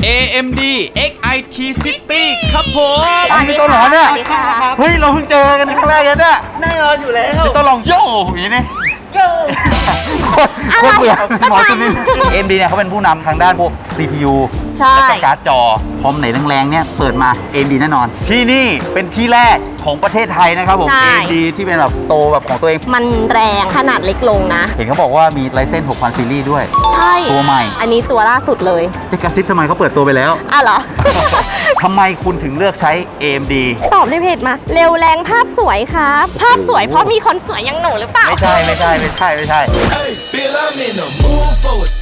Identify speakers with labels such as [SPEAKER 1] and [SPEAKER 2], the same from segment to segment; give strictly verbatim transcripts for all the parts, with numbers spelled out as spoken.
[SPEAKER 1] เอ เอ็ม ดี เอ็กซ์ ไอ ที City ครับผม
[SPEAKER 2] อันนี้ตัวหลอนเนี่ย
[SPEAKER 3] สวัสดีค่ะ
[SPEAKER 2] เฮ้ยเราเพิ่งเจอกันครั้งแรกเลยเนี่ย
[SPEAKER 3] แน่นอนอยู่แล้ว
[SPEAKER 2] ตัวลองโย่อย่างนี้นี่
[SPEAKER 3] โย่
[SPEAKER 2] โคตรเบื่อหมอจุนิน เอ็ม ดี เนี่ยเขาเป็นผู้นำทางด้านพวก ซี พี ยู
[SPEAKER 3] ใช่
[SPEAKER 2] และก็การ์ดจอคอมไหนแรงๆเนี่ยเปิดมา เอ็ม ดี แน่นอน ที่นี่เป็นที่แรกของประเทศไทยนะครับผม
[SPEAKER 3] ใช่
[SPEAKER 2] เอ็ม ดี ที่เป็นแบบสโตร์แบบของตัวเอง
[SPEAKER 3] มันแรงขนาดเล็กลงนะ
[SPEAKER 2] เห็นเขาบอกว่ามีไลเซนส์ หกพัน ซีรีส์ด้วย
[SPEAKER 3] ใช่
[SPEAKER 2] ตัวใหม่
[SPEAKER 3] อันนี้ตัวล่าสุดเลย
[SPEAKER 2] จะกระซิบทำไมเขาเปิดตัวไปแล้ว
[SPEAKER 3] อ่ะเหรอ
[SPEAKER 2] ทำไมคุณถึงเลือกใช้ เอ็ม ดี
[SPEAKER 3] ตอบในเพจมา เร็วแรงภาพสวยครับ ภาพสวยเพราะมีคนสวยอย่างหนูหรือเปล่า
[SPEAKER 2] ไม่ใช่ไม่ใช่ไม่ใช่ไม่ใช่
[SPEAKER 4] Hey, Bill, I'm in the mood for it.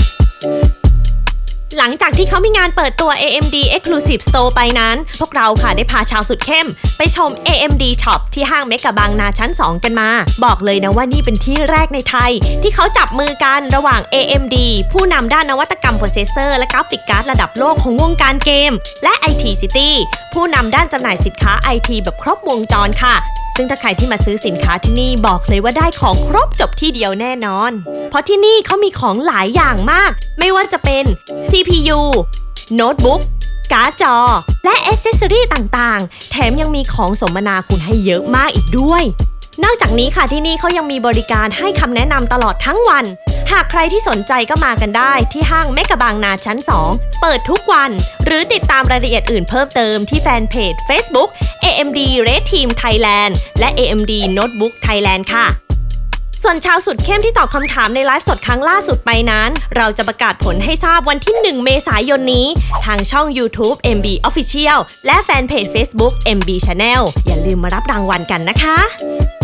[SPEAKER 5] หลังจากที่เขามีงานเปิดตัว เอ เอ็ม ดี Exclusive Store ไปนั้น พวกเราค่ะได้พาชาวสุดเข้มไปชม เอ เอ็ม ดี Shop ที่ห้างเมกะบางนาชั้น สอง กันมา บอกเลยนะว่านี่เป็นที่แรกในไทย ที่เขาจับมือกันระหว่าง เอ เอ็ม ดี ผู้นำด้านนวัตกรรมโปรเซสเซอร์และกราฟิกการ์ดระดับโลกของวงการเกม และ ไอ ที City ผู้นำด้านจำหน่ายสินค้า ไอ ที แบบครบวงจรค่ะ ซึ่งถ้าใครที่มาซื้อสินค้าที่นี่บอกเลยว่าได้ของครบจบที่เดียวแน่นอน เพราะที่นี่เขามีของหลายอย่างมาก ไม่ว่าจะเป็น ซี พี ยู โน้ตบุ๊ก การ์ดจอ และแอคเซสซอรี่ต่างๆ แถมยังมีของสมนาคุณให้เยอะมากอีกด้วย นอกจากนี้ค่ะที่นี่เขายังมีบริการให้คำแนะนำตลอดทั้งวัน หากใครที่สนใจก็มากันได้ที่ห้างเมกะบางนาชั้น สอง เปิดทุกวัน หรือติดตามรายละเอียดอื่นเพิ่มเติมที่แฟนเพจ Facebook เอ เอ็ม ดี Red Team Thailand และ เอ เอ็ม ดี Notebook Thailand ค่ะ ส่วนชาวสุดเข้มที่ตอบคำถามในไลฟ์สดครั้งล่าสุดไปนั้น เราจะประกาศผลให้ทราบวันที่ หนึ่ง เมษายนนี้ ทางช่อง YouTube เอ็ม บี Official และแฟนเพจ Facebook เอ็ม บี Channel อย่าลืมมารับรางวัลกันนะคะ